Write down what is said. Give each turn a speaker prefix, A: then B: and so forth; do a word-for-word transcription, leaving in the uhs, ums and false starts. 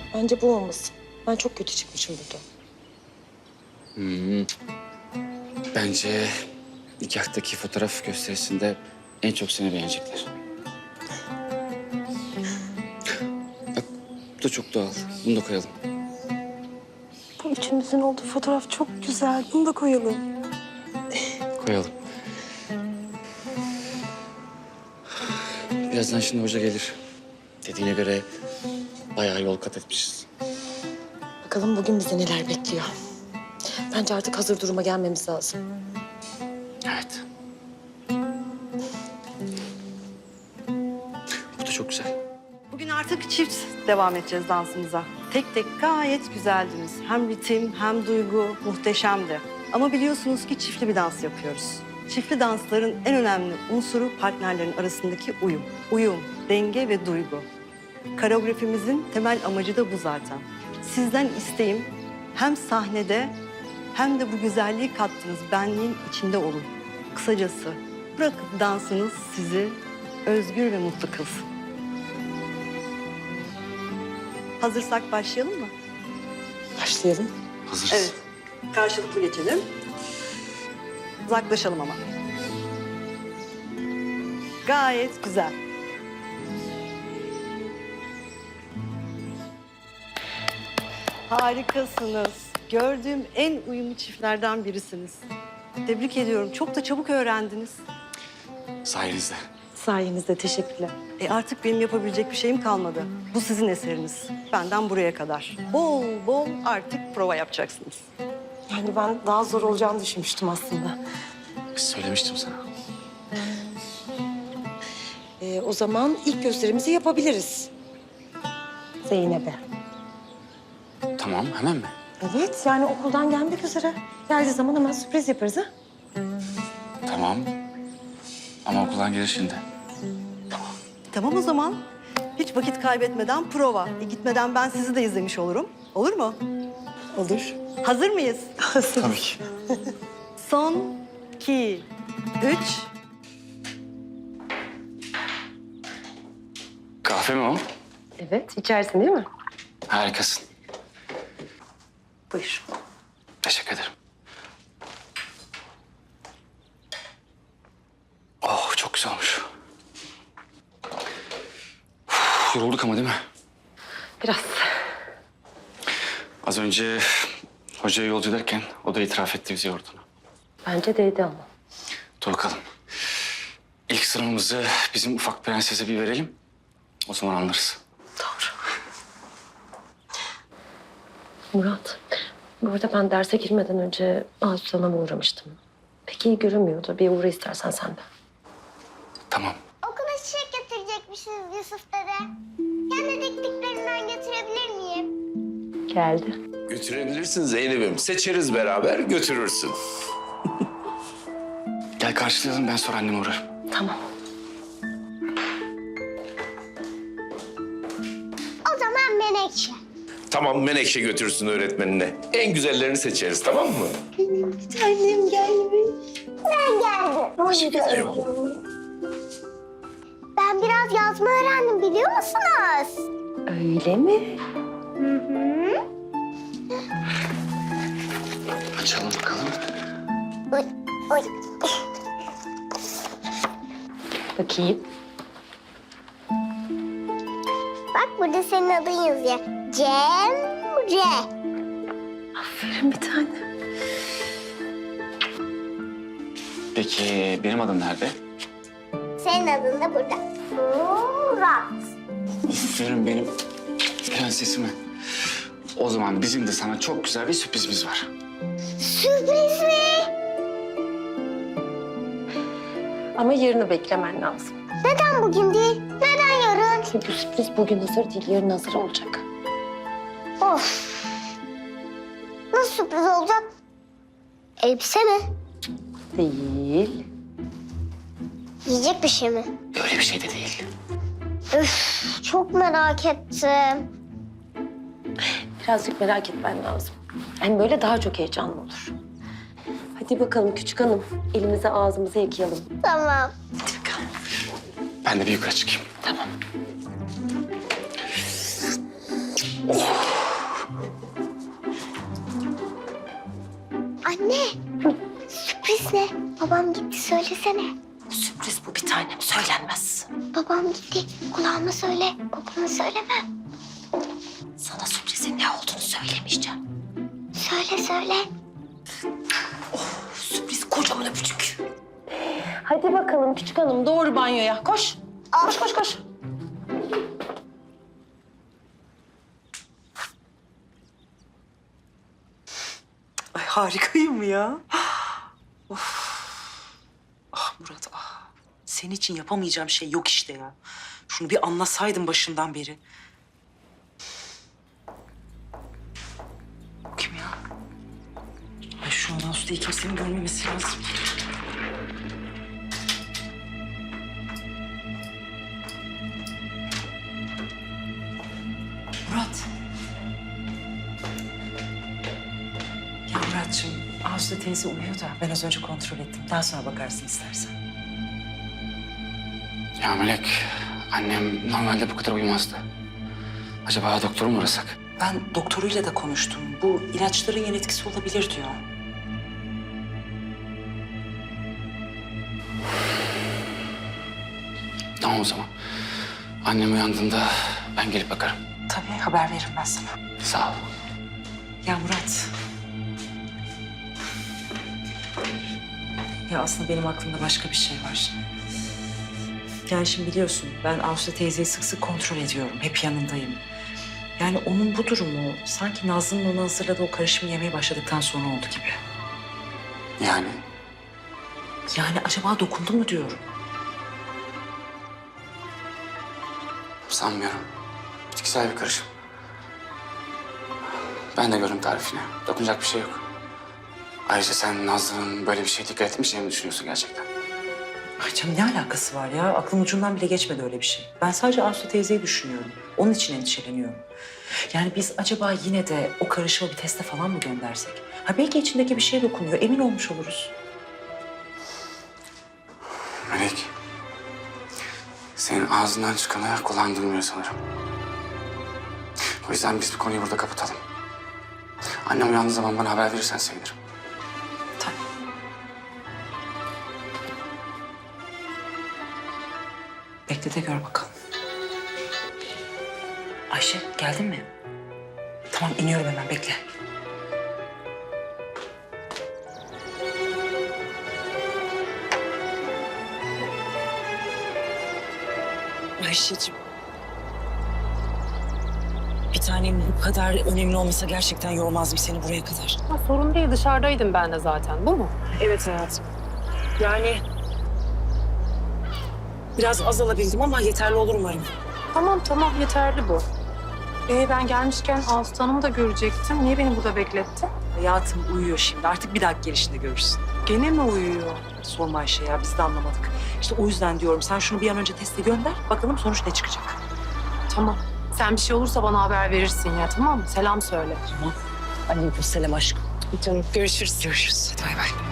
A: Bence bu olmasın. Ben çok kötü çıkmışım burada.
B: Hmm. Bence nikahtaki fotoğraf gösterisinde en çok seni beğenecekler. Bak bu da çok doğal. Bunu da koyalım.
A: Bu üçümüzün olduğu fotoğraf çok güzel. Bunu da koyalım.
B: Koyalım. Birazdan şimdi hoca gelir. Dediğine göre bayağı yol kat etmişiz.
A: Bakalım bugün bizi neler bekliyor. Bence artık hazır duruma gelmemiz lazım.
B: Evet. Bu da çok güzel.
C: Bugün artık çift devam edeceğiz dansımıza. Tek tek gayet güzeldiniz. Hem ritim hem duygu muhteşemdi. Ama biliyorsunuz ki çiftli bir dans yapıyoruz. Çiftli dansların en önemli unsuru partnerlerin arasındaki uyum. Uyum, denge ve duygu. Koreografimizin temel amacı da bu zaten. Sizden isteğim hem sahnede hem de bu güzelliği kattığınız benliğin içinde olun. Kısacası bırakın dansınız sizi özgür ve mutlu kılsın. Hazırsak başlayalım mı?
A: Başlayalım.
B: Hazırız.
C: Evet. Karşılıklı geçelim. Uzaklaşalım ama. Gayet güzel. Harikasınız. Gördüğüm en uyumlu çiftlerden birisiniz. Tebrik ediyorum. Çok da çabuk öğrendiniz.
B: Sayenizde.
A: Sayenizde teşekkürler.
C: E artık benim yapabilecek bir şeyim kalmadı. Bu sizin eseriniz. Benden buraya kadar. Bol bol artık prova yapacaksınız.
A: Yani ben daha zor olacağını düşünmüştüm aslında.
B: Söylemiştim sana.
A: Ee, o zaman ilk gösterimizi yapabiliriz. Zeynep'e.
B: Tamam, hemen mi?
A: Evet, yani okuldan gelmek üzere. Geldiği zaman hemen sürpriz yaparız ha.
B: Tamam. Ama okuldan gelir şimdi.
C: Tamam o zaman. Hiç vakit kaybetmeden prova. E, gitmeden ben sizi de izlemiş olurum. Olur mu?
A: Olur.
C: Hazır mıyız?
B: Tabii ki.
C: Son, iki, üç.
B: Kahve mi o?
A: Evet, içersin değil mi?
B: Harikasın.
A: Buyur.
B: Teşekkür ederim. Oh, çok güzel olmuş. Uf, yorulduk ama değil mi?
A: Biraz.
B: Az önce hocaya yolcu ederken o da itiraf etti bizi yorduğunu.
A: Bence değdi ama.
B: Dur bakalım. İlk sıramızı bizim ufak prensese bir verelim. O zaman anlarız.
A: Doğru. Murat, bu arada ben derse girmeden önce Asut Hanım'a uğramıştım. Pek iyi görünmüyordu. Bir uğra istersen sen de.
B: Tamam.
D: Okula çiçek getirecekmişsiniz Yusuf dede. Kendi diktiklerimden getirebilir miyim?
A: Geldi.
E: Götürebilirsin Zeynep'im. Seçeriz beraber, götürürsün.
B: Gel karşılayalım, ben sonra anneme uğrarım.
A: Tamam.
D: O zaman Menekşe.
E: Tamam, Menekşe götürsün öğretmenine. En güzellerini seçeriz, tamam mı?
D: Annem gelmiş. Ben geldim. Hoş geldin. Ben biraz yazma öğrendim biliyor musunuz?
A: Öyle mi?
D: Hı hı.
B: Açalım bakalım.
D: Oy, oy.
A: Bakayım.
D: Bak burada senin adın yazıyor. Cemre.
A: Aferin bir tane.
B: Peki benim adım nerede?
D: Senin adın da burada. Murat.
B: Aferin benim prensesime. O zaman bizim de sana çok güzel bir sürprizimiz var.
D: Sürpriz mi?
A: Ama yarını beklemen lazım.
D: Neden bugün değil? Neden yarın?
A: Çünkü sürpriz bugün hazır değil, yarın hazır olacak.
D: Of. Nasıl sürpriz olacak? Elbise mi?
A: Değil.
D: Yiyecek bir şey mi?
B: Öyle bir şey de değil.
D: Üf, çok merak ettim.
A: Birazcık merak etmen lazım. Hem böyle daha çok heyecanlı olur. Hadi bakalım küçük hanım. Elimizi ağzımızı yıkayalım.
D: Tamam.
A: Hadi bakalım.
B: Ben de bir yukarı çıkayım.
A: Tamam.
B: Oh.
D: Anne, sürpriz ne? Babam gitti, söylesene.
A: Sürpriz bu bir tanem, söylenmez.
D: Babam gitti, kulağıma söyle, babama söyleme.
A: Sana sürprizin ne olduğunu söylemeyeceğim.
D: Söyle, söyle.
A: Sürpriz kocaman öpücük. Hadi bakalım küçük hanım, doğru banyoya. Koş. Koş, koş, koş.
F: Ay harikayım ya. Of. Ah Murat ah. Senin için yapamayacağım şey yok işte ya. Şunu bir anlasaydın başından beri. Bu kim ya? Ay şu an Aslı'yı kimsenin görmemesi lazım. Murat. Ya Muratcığım, Aslı teyze uyuyor da ben az önce kontrol ettim. Daha sonra bakarsın istersen.
B: Ya Melek, annem normalde bu kadar uyumazdı. Acaba doktoru mu arasak?
F: Ben doktoruyla da konuştum. Bu ilaçların yan etkisi olabilir diyor.
B: Tamam o zaman. Annem uyandığında ben gelip bakarım.
F: Tabii haber veririm ben sana.
B: Sağ ol.
F: Ya Murat. Ya aslında benim aklımda başka bir şey var. Yani şimdi biliyorsun ben Aslı teyzeyi sık sık kontrol ediyorum. Hep yanındayım. Yani onun bu durumu sanki Nazlı'nın ona hazırladığı o karışımı yemeye başladıktan sonra oldu gibi.
B: Yani
F: Yani acaba dokundu mu diyorum.
B: sanmıyorum. Bitkisel bir karışım. Ben de gördüm tarifini. Dokunacak bir şey yok. Ayrıca sen Nazlı'nın böyle bir şeye dikkat etmeyeceğini mi düşünüyorsun gerçekten?
F: Ay canım ne alakası var ya? Aklım ucundan bile geçmedi öyle bir şey. Ben sadece Aslı teyzeyi düşünüyorum. Onun için endişeleniyorum. Yani biz acaba yine de o karışımı bir teste falan mı göndersek? Ha belki içindeki bir şey dokunuyor. Emin olmuş oluruz.
B: Melek, senin ağzından çıkanı kulağın duymuyor sanırım. O yüzden biz bu konuyu burada kapatalım. Annem uyandığı zaman bana haber verirsen sevinirim.
F: Tabii. Bekle de gör bakalım. Ayşe geldin mi? Tamam iniyorum hemen bekle. Ayşe'ciğim. Bir tanem bu kadar önemli olmasa gerçekten yormazdım seni buraya kadar.
G: Ha, sorun değil, dışarıdaydım ben de zaten. Bu mu?
F: Evet hayatım. Yani biraz az alabildim ama yeterli olur umarım.
G: Tamam tamam, yeterli bu. Ee, ben gelmişken Aslı Hanım'ı da görecektim. Niye beni burada beklettin?
F: Hayatım uyuyor şimdi. Artık bir dahaki gelişinde görürsün.
G: Gene mi uyuyor?
F: Sorma Ayşe ya biz de anlamadık. İşte o yüzden diyorum sen şunu bir an önce teste gönder. Bakalım sonuç ne çıkacak.
G: Tamam. Sen bir şey olursa bana haber verirsin ya, tamam mı? Selam söyle.
F: Tamam. Aleykümselam aşkım.
G: Canım, görüşürüz.
F: Görüşürüz. Hadi bay bay.